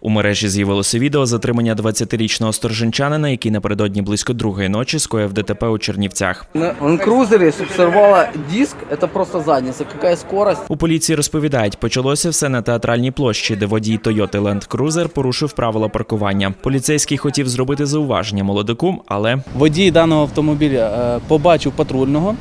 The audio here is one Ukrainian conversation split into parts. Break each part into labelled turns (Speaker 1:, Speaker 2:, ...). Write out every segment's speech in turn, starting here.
Speaker 1: У мережі з'явилося відео затримання 20-річного сторженчанина, який напередодні близько 2-ї ночі скоїв ДТП у Чернівцях.
Speaker 2: На лендкрузері сорвала диск, це просто задниця, яка скорость.
Speaker 1: У поліції розповідають, почалося все на Театральній площі, де водій Toyota Land Cruiser порушив правила паркування. Поліцейський хотів зробити зауваження молодику, але
Speaker 3: водій даного автомобіля побачив патрульного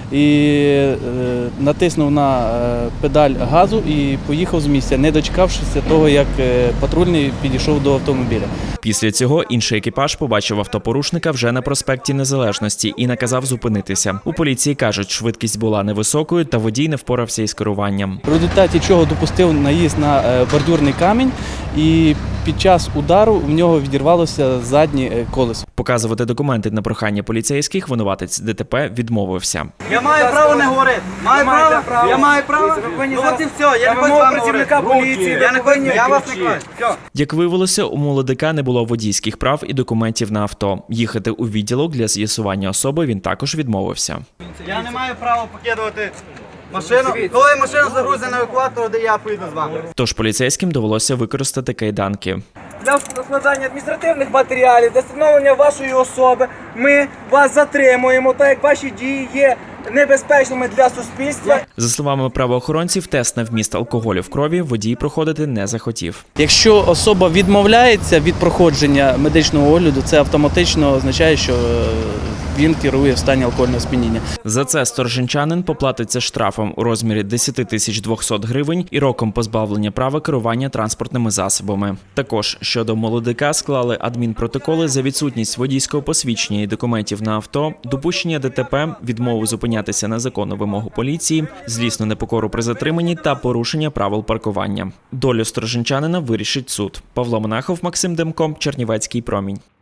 Speaker 3: і натиснув на педаль газу і поїхав з місця, не дочекавшися того, як патрульний підійшов до автомобіля.
Speaker 1: Після цього інший екіпаж побачив автопорушника вже на проспекті Незалежності і наказав зупинитися. У поліції кажуть, швидкість була невисокою та водій не впорався із керуванням.
Speaker 3: В результаті чого допустив наїзд на бордюрний камінь і під час удару в нього відірвалося заднє колесо.
Speaker 1: Показувати документи на прохання поліцейських винуватець ДТП відмовився.
Speaker 4: Я маю право не говорити. Маю право? Я маю право? Ну от і все, я не хочу з вами працівника поліції. Я вас не клаю. Все.
Speaker 1: Як виявилося, у молодика не було водійських прав і документів на авто. Їхати у відділок для з'ясування особи він також відмовився.
Speaker 4: Я не маю права покидувати машину. Коли машина загрузить на евакуатор, де я поїду з вами.
Speaker 1: Тож поліцейським довелося використати кайданки.
Speaker 5: Для складання адміністративних матеріалів, для встановлення вашої особи ми вас затримуємо, так як ваші дії є небезпечними для суспільства.
Speaker 1: За словами правоохоронців, тест на вміст алкоголю в крові водій проходити не захотів.
Speaker 3: Якщо особа відмовляється від проходження медичного огляду, це автоматично означає, що він керує в стані алкогольного сп'яніння.
Speaker 1: За це сторженчанин поплатиться штрафом у розмірі 10 200 гривень і роком позбавлення права керування транспортними засобами. Також щодо молодика склали адмінпротоколи за відсутність водійського посвідчення і документів на авто, допущення ДТП, відмову зупинятися на законну вимогу поліції, злісну непокору при затриманні та порушення правил паркування. Долю сторженчанина вирішить суд. Павло Монахов, Максим Демко, Чернівецький промінь.